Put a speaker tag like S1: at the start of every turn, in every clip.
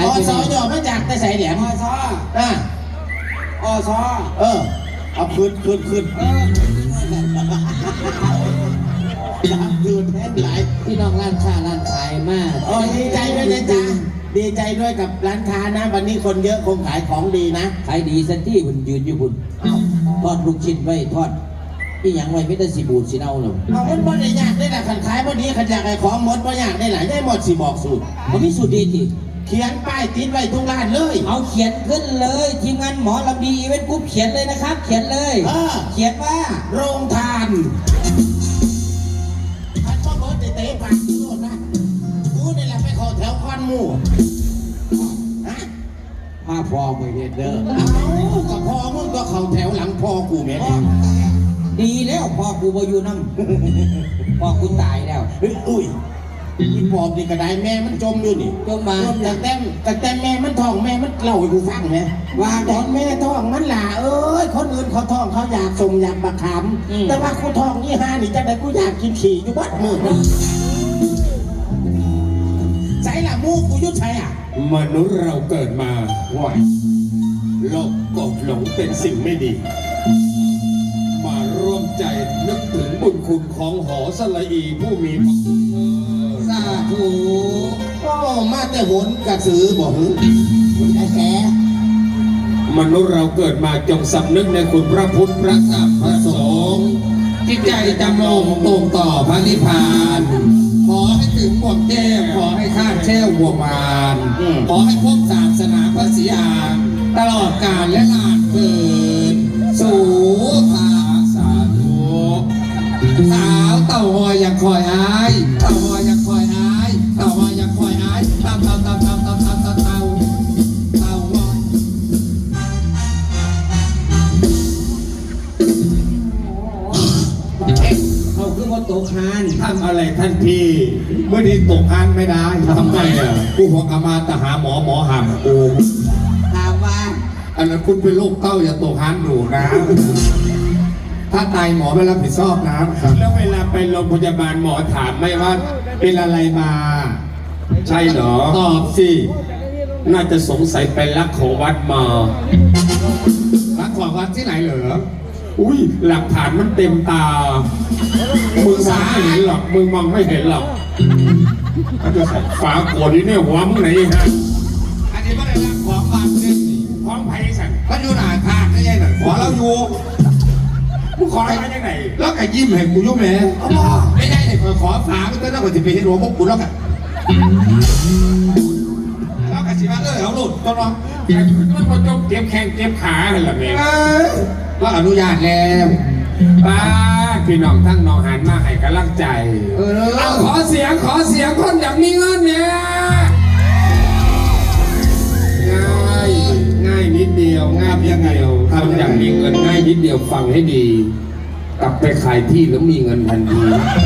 S1: อสอย่อมาจากแต่ใส่แหลม
S2: อซออซอ
S1: เอาคืนคืนแทนหลาย
S3: พี่น้องร้านค้าร้านขายมาก
S1: ดีใจด้วยนะจ๊ะดีใจด้วยกับร้านค้านะวันนี้คนเยอะคงขายของดีนะ
S3: ขายดีสันที่คุณยืนอยู่คุณทอดลูกชิ้นไว้ทอดที่ยังไว้ไม่ได้สีบูดสีเน่าหรอก
S1: มันบ่ได้ยากได้แต่ขันขายพอดีขันอยากไอ้ของหมดบ่อยากได้หลายได้หมดสิบอกสูตร
S3: มันมีสูตรดีจริง
S1: เขียนป้ายติดไว้ทุกร้านเลย
S3: เอาเขียนขึ้นเลยทีมงานหมอลำดีอีเวนต์กรุ๊ปเขียนเลยนะครับเขียนเลยเขียนว่า
S1: โรงทานท่านพ่อเบิร์ดเตะปากกูนะกูนี่แหละไปขอแถวควันหมู่
S3: มาพอมือเด็ดเด้อ
S1: กับพ่อมึงก็เขาแถวหลังพ่อกูแม่
S3: ดีแล้วพ่อกูบอยู่น้ำพ่อกูตายแล้ว
S1: อุ้ยอีปอบนี่กระไดแม่มันจมอยู่นี่
S3: จมมา
S1: แต่แม่มันท้องแม่มันเล่าให้กูฟังไงว่าตอนแม่ท้องมันหล่าคนอื่นเขาท้องเขาอยากสมอยากบักขามแต่ว่ากูท้องนี่ฮานี่จังไดกูอยากกินขี่อยู่บัดมือใส่ละมูกูยุดใช่อ่ะ
S2: มนุษย์เราเกิดมาว่าโลกกดหลงเป็นสิ่งไม่ดีมาร่วมใจนึกถึงบุญคุณของหอสละอีผู้มีพระคุณ
S1: สาธุก็มาแต่หนกระสือบอกหรือไอ้แก
S2: มนุษย์เราเกิดมาจงสำนึกในคุณพระพุทธพระธรรมพระสงฆ์จิตใจจำลงตรงต่อพระนิพพานขอให้ถึงบวกแก้ขอให้ข้าแช่วบวกมารขอให้พบศาสนาพระศรีอานตลอดกาลและนานเกินสู่ทาสาธุสาวเต่าหอยยังคอยอายเต่าหอยยังคอยอายเต่าหอยยังคอยอายเต่า
S3: เขาคือว่าตกฮาน
S2: ทำอะไรท่านพี่เมื่อนี้ตกฮานไม่ได้ทำไมอ่ะกูหัวกมาตหาหมอหามกู
S3: ถามว่า
S2: อันนั้นคุณเป็นโรคเต้าอย่าตกฮานหนูนะถ้าตายหมอไม่รับผิดชอบนะแล้วเวลาไปโรงพยาบาลหมอถามไม่ว่าเป็นอะไรมาใช่เหรอตอบสิน่าจะสงสัยไปลักของวัดมาลักของวัดที่ไหนเหรออุ้ยหลักฐานมันเต็มตามึงมองไม่เห็นหรอกมึงมองไม่เห็นหรอกฝาโกรธนี่เนี่ยหัวมึงไหนฮะอันนี้ไม่ได้รักของบางเรื่องนี่ของไผ่สันก็อยู่หน้าทางไม่ใช่หรอขอเราอยู่มึงขออะไรไม่ได้ไหนแล้วก็ยิ้มให้กูยุ่งแม่ไม่ได้เลยขอฝาไม่ต้องแล้วก็จะไปเห็นหัวพวกกูแล้วกันแล้วก็สิว่าเอาหลุดต้นน้องมันก็ต้องเก็บแข้งเก็บขาเหรอแม่ก็อนุญาตแล้วป้าพี่น้องทั้งน้องหันมาให้กำลังใจเอาขอเสียงคนอยากมีเงินเนี่ยง่ายนิดเดียวง่ายยังไงคนอยากมีเงินง่ายนิดเดียวฟังให้ดีกลับไปขายที่แล้วมีเงินทันที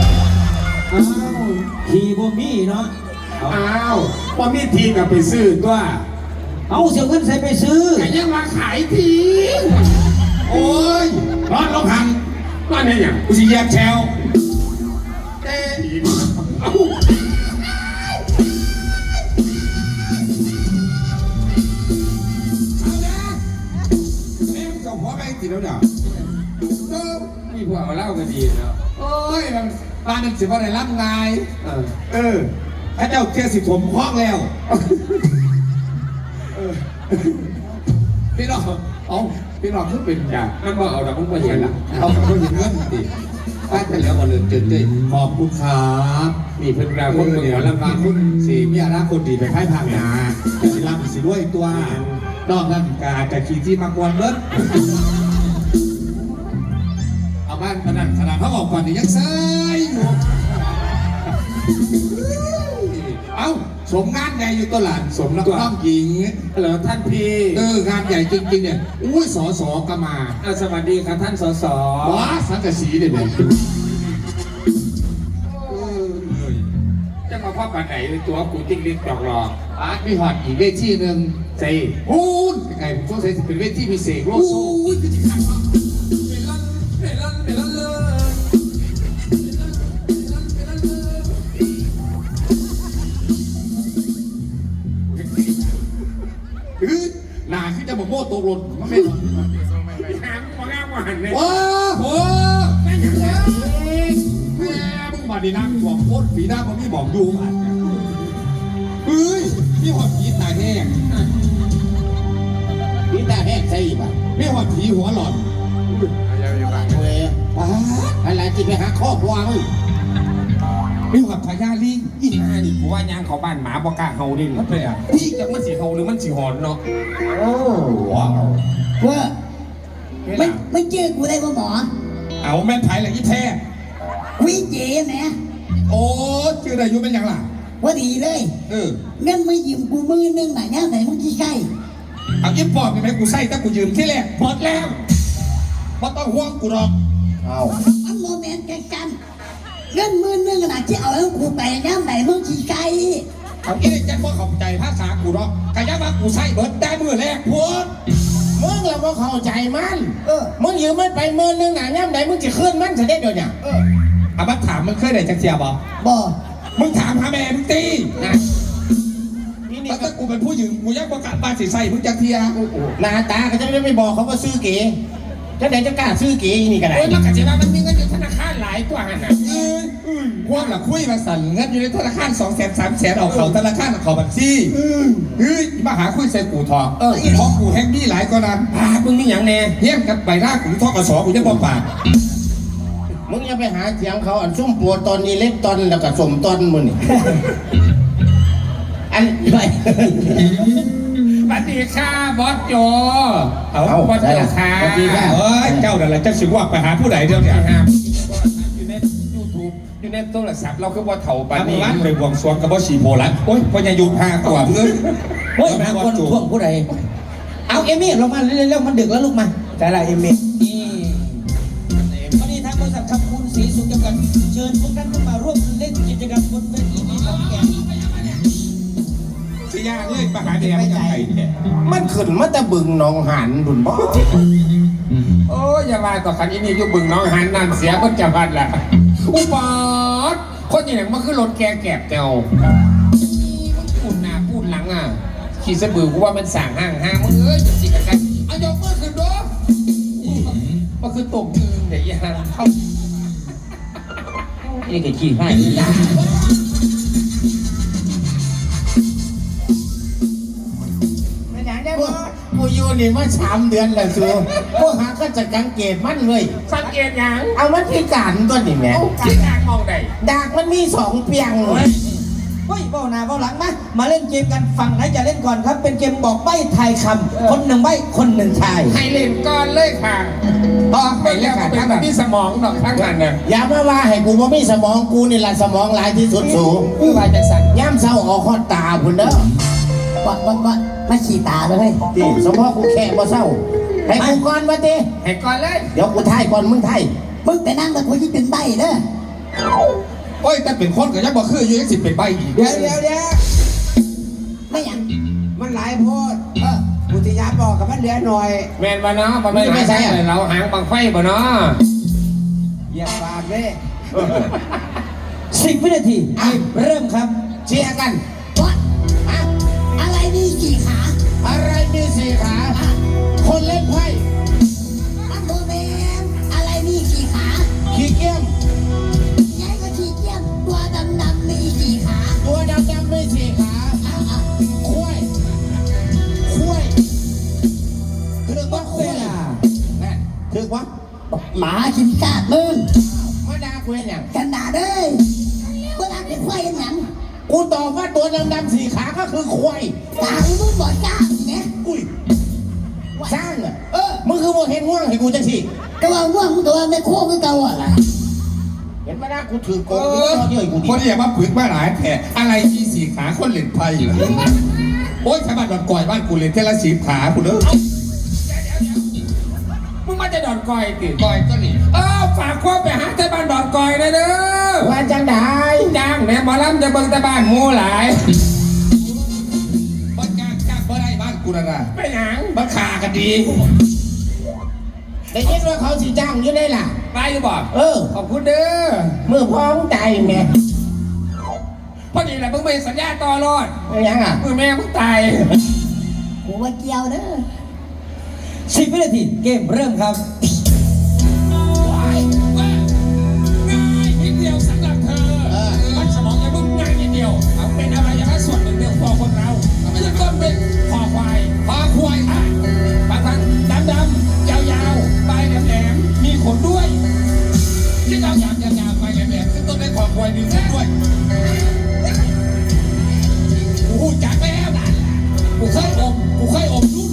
S3: ทีบ่มีเนาะ
S2: ว่ามีทีกับไปซื้อตัว
S3: เอาเสียเงินใส่ไปซื้อ
S2: แต่ยังมาขายทีโอ้ยร้อนลงหันร้อนเนี่ยกูสิแยกแชวเต้เอาเอ็มกับพ่อแม่ติดแล้วเดี๋ยวมีพวกเอาเล่ากันดีเนาะโอ้ยมันบ้านนึงสิว่าอะไรรับงานพระเจ้าเทียสิผมคล้องแล้วพี่น้องเอาพี่น้องขึ้นเป็นอย่างมันว่าเอาแต่ผมก็เห็นละเอาแต่ผมเห็นเรื่องดิป้าจะเหลือมาเลยเจ๋งขอบคุณครับมีเพื่อนเราคนเดียวแล้วมาคุณสีมีอาราคนดีไปค่ายทางนาสิรับสิด้วยตัวนอกนั้นกาจะขี่ที่มากวนเบิ้ลเอาบ้านขนาดเขาบอกก่อนนี่ยังเซ่อยู่เอาสมงานใหญ่อยู่ตลาดสมนักร้องหญิงเหรอท่านพี่งานใหญ่จริงๆเนี่ยอุ้ยสสก็มาสวัสดีครับท่านสสว้าสังกะสีเด็ดจะมาพ่อปันไหนตัวกูจิ้งลิ้นจอกหลอกมีหอดอีกเวทีหนึ่งใช่พูดยังไงผมต้องใช้เป็นเวทีพิเศษโลโซ่หนาขึ้นจะบอกโม่ตกหล่นมันไม่หล่นหางมันง่ายกว่าหันเลยโอ้โหแม่มึงมาดีนะบอกโคตรฝีหน้ามันไม่บอกดูอ่ะเฮ้ยพี่หอดผีตาแห้ง
S1: พี่ตาแห้งใช่ป่ะ
S2: พี่หอดผีหัวหลอน
S1: เว้ยอะไรที่ไปหาครอบครัวมึง
S2: พี่หอดพญาลิง
S4: อีห่านี่กูว่ายางเขาบ้านหมาบ่กล้าเฮาดิ
S2: มันเป็นอ่ะ
S4: พี่จักมันสิเฮาหรือมันสิหอนเนาะ
S1: โอ้ว้าว
S5: ว่าไม่เจอกูได้ป่ะหมอ
S2: เอาแม่นไผ่ละยี่แท้
S5: วิเจแหม
S2: โอ้ชื่ออะไรอยู่เป็นยังล่ะ
S5: ว่าดีเลย เงินมายืมกูมือนึงน่ะย่าไหนมึงขี้ไก่
S2: เอายิ้มปอบกันไหมกูใส่ถ้ากูยืมที่แรกหมดแล้วไม่ต้องห่วงกูหรอก
S1: เอา
S5: มันโมเมนต์กันเงินมือนึงน่ะที่เอาให้กูไปย่าไหนมึงขี้ไก่
S2: เอาเอ๊ะจะบ่เข้าใจภาษากูหรอกกะยามากูใส่เบิดได้มือแรกพูด
S1: มึงเราก็เข้าใจมันมึงยืมมันไปมือนึงหนาย่ำไหนมึงจะขึ้นมันจะได้เดี๋ยวเนี่ย
S2: เอามาถามมึงเคยได้จักเสียบ่
S5: บ่
S2: มึงถามหาแม่มึงตี
S1: นี่นี่
S2: แล้วถ้ากูเป็นผู้หญิงกูยังประกาศบ้านสิใส่มึงจักเทีย
S1: หน้าตาก็จะไม่บอกเขาว่าซื้อเก๋จะไหนจะกล้าซื้อเก๋นี่กันไหน
S4: โอ้ยมันก็สิว่ามันมีเงินอยู่ธนาคารหลายตัวหั่นน่ะ
S2: พวกละคุยมาสั่นเงินอยู่ในธนาคาร200,000 300,000เอาเขาธนาคารเอาเขาบัญชีเฮ้ยมาหาคุยใส่กูทองเพราะกูแฮงดี้หลายกว่านั้น
S4: มึงมีหยังแน่
S2: เฮี้ยงกับใบหน้ากูทอกกระสอกูจะบอกปาก
S1: มึงอย่าไปหาเถียงเขาอันซุ่มปัวตอนนี้เล็กตอนแล้วก็สมตอนมึงนี่อันไป
S4: สวัสดีค่ะบอสโจ
S2: เอา
S4: บอสโจค่ะ
S1: สวัสดีค่ะ
S2: เอ้ยเจ้านั่นแหละเจ้าสิว่าไปหาผู้ใดเดี๋ยวเนี่ย
S4: ครับอยู่ใน YouTube อยู่ในโทรศัพท์เราคือบ่เฒ่าปาน
S2: ปา
S4: นี้
S2: นี้ไปบวงสรวงกับบ่ฉีโพลันโอ้ยพญายุพาตัวเพื่อน
S3: เฮ้ยหาคนท่วงผู้ใดเอาเอมี่ลงมาเร็วๆมันดึกแล้วลูกมา
S1: แต่ละเอมี่
S3: นี่วันนี้ทางบริษัทคำคุณศรีสุขจำกัดเชิญทุกท่านเข้ามาร่วมเล่นกิจกรรมบนเวทีนี้ของแก
S2: สิยาเลยไปหาแดงยังไงเนี่ย
S1: มันขึ้นมาแต่บึงหนองหันบุญบ่
S4: โอ้ยอย่าว่าต่อคันนี้อยู่บึงน้องหันนั่นเสียเพิ่นจะพัดล่ะอุปอดคนอย่างมันคือรถแกแกบเจ้าพูดหน้าพูดหลังอ่ะขี่สะบือกูว่ามันสั่งห้างมึงเอ้ยจิกกันเอายกมือขึ้นดูมันคือตกยืนเดี๋ยวยังเข้า
S3: นี่ก็ขี้ให้
S1: กูอยู่นี่มา3 เดือนแล้วสูกูหาก็จะกังเกตมันเลย
S4: สังเกตยัง
S1: เอามันพิการตัวนี่แม่
S4: ที่ทางมองใด
S1: ดากมันมี2 เปียง
S3: เฮ้ยเบ้าหน้าเบ้าหลังมาเล่นเกมกันฝั่งไหนจะเล่นก่อนครับ เป็นเกมบอกใบ้ทายคำคนหนึ่งใบ้คนหนึ่งทาย
S4: ให้เล่นก่อนเลยค่ะต่อไปแล้วก็เป็นแบบที่สมองดอกทั้งนั้นเนี่ย
S1: อย่ามาว่าให้กูบ่มีสมองกูนี่ล่ะสมองหลายที่สุดสู
S4: คือว่าจะสั่น
S1: ย่ำเศร้าออกคอตาพุ่นเด้อ
S5: วัดมาขี่ตาเลย
S1: ติสมองกูแค่บ่เศร้าให้กูก่อนมาติ
S4: ให้ก่อนเลย
S1: เดี๋ยวกูทายก่อนมึงทาย
S5: มึงไปนั่งกับกูที่ถึงใบเด้อ
S2: โอ้ยแต่เป็นคนก็ยังบ่คืออยู่ยังสิเป็นใบอีก
S6: เดี๋ยว
S5: ไม่อย่าง
S6: มันหลายโพดกูจะย้ำบอกกับมันเหลือหน่อย
S4: แมนบ่เนาะบ่แม่นไม่ใช่เราหางบังไฟบ่เนาะ
S6: อย่าปากเลย
S3: 10 วินาทีเริ่มครับ
S1: เชียร์กัน
S5: วัดอะไรมีกี่ขา
S1: อะไรมี4 ขา คนเล่นไพ่
S5: อันโมเมนอะไรมีกี่ขา
S1: ขี้เกียจ
S5: ยายก็ขี้เกียจตัวดำๆมีกี่ขา
S1: ตัวดำๆมี4 ขาคุ้ยถือว่าคุ้ยนั่นถือว่า
S5: หมากินกาดมึง
S1: มาด่ากูเห็นยัง
S5: กันด่าเด้อเวลาเป็นควายยังหยัง
S1: กูตอบว่าตัวดำๆ4 ขาก็คือควาย
S5: ตามึงบอกกล้าสิเนี่ย
S1: อุ้ยสร้างอ่ะมึงคือบ่เห็นง่วงให้กูจังสิ
S5: ก็ว่าง่วงตัวไม่โค้งก็เก่าอ่ะล่ะ
S1: เห็นไหมนะกูถือโกงกูก็เยอะกูดิ
S2: คนอย่ามาปึกมาหลายแผลอะไรมีสี่ขาคนเล่นไพ่เหรอโอ้ยชาวบ้านดอนก่อยบ้านกูเล่นเทละ10 ขากูเด้อ
S4: มึงมาจะดอนกอยติ
S2: ก่อยก็นี่
S4: ฝากควบไปหาแต่บ้านดอนกอยนะเด้อ
S1: ว่าจังได้
S4: จ้างแม่หมอลำจะเบิ่งแต่บ้านหมูหลาย
S2: บ้านจ้างบ่ได้บ้านกูนะนะ
S4: ไปหยัง
S2: บ้านขากันดี
S1: ได้ยินว่าเขาสิจ้างอยู่ได้ล่ะ
S4: ไปอยู่บ่
S1: ข
S4: ข
S1: อ
S4: อบคุณเด้อ
S1: มือพ้องใจแม่
S4: พอดีแหละมึงไปสัญญาต่อรอด
S1: ไม่ยังอ่ะ
S4: มือแม่มึงตาย
S5: กูว่ามาเกี่ยวเด้อ
S3: 10 วินาทีเกมเริ่มครับ
S4: ง่ายนิดเดียวสำหรับเธอมันสมองยังมึงง่ายนิดเดียวเอาเป็นอะไรอย่างนั้นส่วนหนึ่งเดียวพอคนเราไม่ใช่ต้นเป็นคอควายอ่ะบางครั้งดำยาวปลายแหลมมีขนด้วยที่ยาวปลายแหลมซึ่งต้นเป็นคอควายมีขนด้วยกูจักแล้วกูเคยอมรู้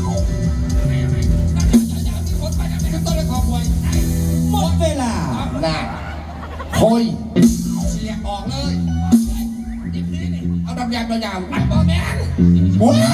S4: มีขนไปนั่นเป็นต้นเป็นคอควาย
S3: หมดเวลา
S4: น่ะโคยเสียออกเลยเอาดำยางยาวๆอัดบอแมนโอ้ย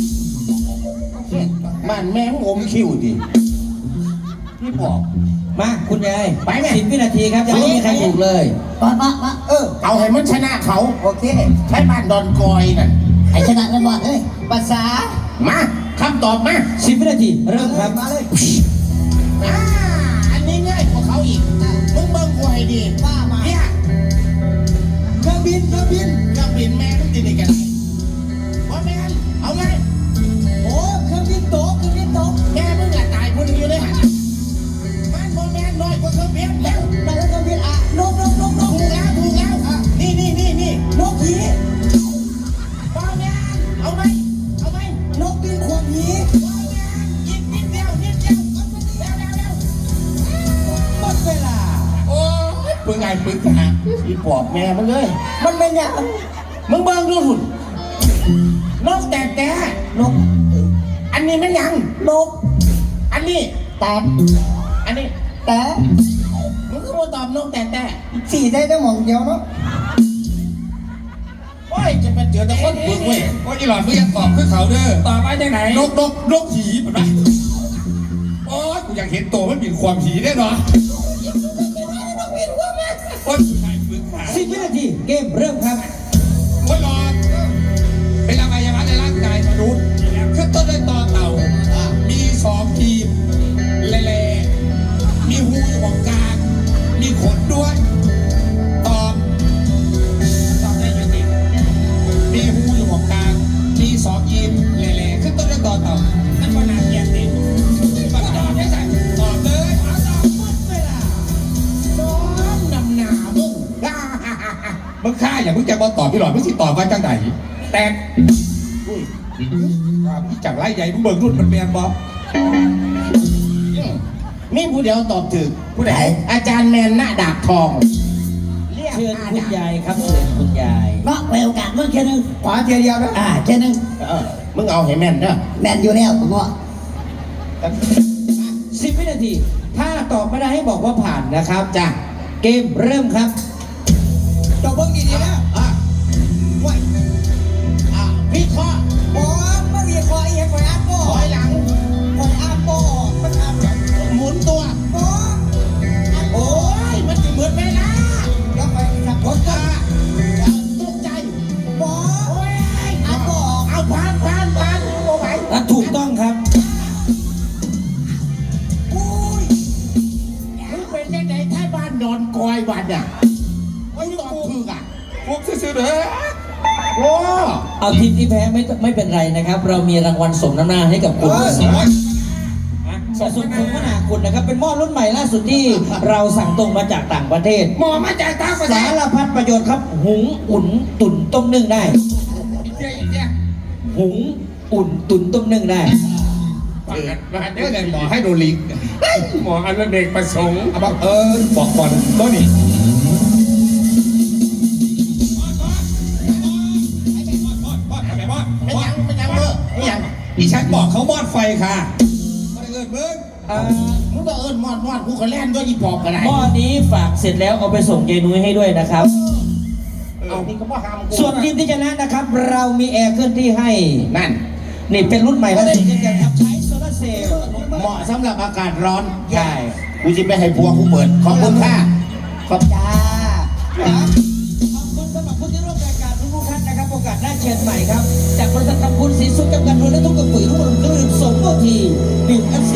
S1: บ้านแม่งอมคิวดิพี่บอก
S3: มาคุณยาย
S1: ไปแม่
S3: 10 วินาทีครับยังไม่มีใครถูกเลย
S5: มา
S1: เอาให้มันชนะเขา
S5: โอเค
S1: ใช้บ้านดอนกอยนั่น
S5: ไอ้ชนะกันบอดเฮ้ยภาษา
S1: มาคำตอบมา
S3: 10 วินาทีเริ่มครับ
S5: มาเลย
S1: อันนี้ง่ายกว่าเขาอีกมึงเบิ่งกูให้ดี
S5: ว่ามา
S1: เนี่ย
S5: เครื่องบิน
S1: เครื่องบินแม่มึงติดในกันว่าแม่นเอาไง
S5: โอ้เครื่องบินตก
S1: แม่มึงอะตายคนอยู่เลยฮะมันบ่แม่นน้อยกว่าเครื่องบินแล้ว
S5: มาแล้วเครื่องบินอ่ะนก
S1: ถูกแล้วนี่
S5: นกผี
S1: บ่แม่นเอาไหม
S5: นกบินขวบผี
S1: บ่แม่นอีกนิดเดียวเร็ว
S5: หมดเวลา
S4: โอ้ยปึ้งไงปึ้งหา
S1: อีปอบแม่มึงเลย
S5: มันเป็นยัง
S1: มึงเบิ่งดูหุ่นนกแต่
S5: นก
S1: อันนี้มันยัง
S5: นก
S1: อันนี้
S5: แต่
S1: อันนี้
S5: แต่
S1: มึงก็มาตอบนกแต่
S5: สี่ได้แต่หมองเดียวเนาะ
S1: โอ้ยจะเป็นเจอแต่คนฝึกเว้ย
S4: โอ้ยอีหลอดมึงยังตอบคือเขาเด้อตอบมาจากไหนนกผีเป็นไรโอ้ยกูอยากเห็นตัวมันบินความผีได้หรอโอ้ยผู้ชายปึ้งหา
S3: 10 วินาทีเกมเริ่มครับ
S4: โอ้ยหลอดเป็นอวัยวะในร่างกายมนุษย์ขึ้นต้นด้วยตอเต่ามี2ทีมเล่ๆมีหูอยู่ตรงกลางมีขนด้วยตอบได้ยังไงมีหูอยู่ตรงกลางมี2ทีมเล่ๆขึ้นต้นด้วยตอเต่านั่นก็น่าเกลียดดิมาตอบได้ไหมตอบเลยเอาตอบหมดเวลา
S1: ซ้อมนำหนามึง
S4: มึงฆ่าอย่ามึงจะมาตอบพี่หลอดมึงสิตอบมาจังไหนแต่จากไล่ใหญ่มึงเบิกรุ่นมันแมนบอ
S1: มีผู้เดียวตอบถูก
S4: ผู้ใด
S1: อาจารย์แมนหน้าดาบทองเรียก
S3: เชิญ
S1: หน้า
S3: คุณ
S1: ดาบ
S3: ยายครับเชิญคุณยาย
S5: เนาะไปโอกาสมึงแค่นึง
S6: ขวาเทียเดียวนะ
S5: แค่นึง
S1: มึงเอาให้แม่นเด้อ
S5: แมนอยู่แล้วผมว่า
S3: 10 วินาที ถ้าตอบไม่ได้ให้บอกว่าผ่านนะครับจ้ะเกมเริ่มครับ
S6: จบเบิ่งดีๆนะ
S1: ว้ยวิเคราะห์
S6: บอสไม่มีคอยเอียงคอยอัดบอ
S1: ถอยหลัง
S6: คอยอัดบอมันอัดแบบ
S1: หมุนตัว
S6: บอส
S1: โอ้ยมันจะเหมือนไปนะ
S6: แล้วไปจับรถก็
S1: ตกใจ
S6: บอส
S1: โอ้ย
S6: อัดบอ
S1: เอาผ่านเอาไหว
S3: และถูกต้องครับ
S6: อุ้ย
S1: มึงเป็นยังไงถ้าบ้านนอนกอยวันอ่ะมึงตอบถูกอ่ะ
S4: พวกซื่อๆเด้อ
S1: โอ้
S3: เอาทีมที่แพ้ไม่เป็นไรนะครับ เรามีรางวัลสมน้ำหน้าให้กับคุณสมนาคุณนะครับ เป็นหม้อรุ่นใหม่ล่าสุดที่เราสั่งตรงมาจากต่างประเทศ
S4: หมอมาจากต่างประเท
S3: สา
S4: ศ
S3: รพัดประโยชน์ครับ หุงอุ่นตุ๋นต้มนึ่งได้
S4: อีเจ๊
S3: หุงอุ่นตุ๋นต้มนึ่งได้
S4: มาเดี๋ยวเดี๋ยวหมอให้โดลิกหมออันเด็กประสงค์เอาบอกบอกก่อนต้นนี่
S1: ไม่ยังเบอร์ไม่ยัง
S4: อีฉันบอกเขามอดไฟค่ะมาเกิดมึง
S1: มึงต้องเอิญมอดกูก็แล่นด้วยอีปอบกันไหน
S3: หม้อนี้ฝากเสร็จแล้วเอาไปส่งเจนุ้ยให้ด้วยนะครับ
S1: เอานี่ก็บ่ห้ามกู
S3: ส่วนทีมที่ชนะนะครับ เรามีแอร์เคลื่อนที่ให้
S1: นั่น
S3: นี่เป็นรุ่นใหม่ล่าสุดเช่นกันครับใช้โซลาร์เซลล์
S1: เหมาะสำหรับอากาศร้อน
S3: ใช่
S1: กูจะไปให้พัวกูเปิด ขอบคุณค่ะ
S5: ขอบจ้า
S3: ขอบคุณสำหรับผู้ที่ร่วมรายการทุกท่านนะครับโอกาสหน้าเชิญใหม่ครับ จากบริษัทกำพูนศรีสุขจำกัดโดยและทุกกระปุ๋ยรุ่งเรืองเครื่องดื่มสมโอทีดื่มอัน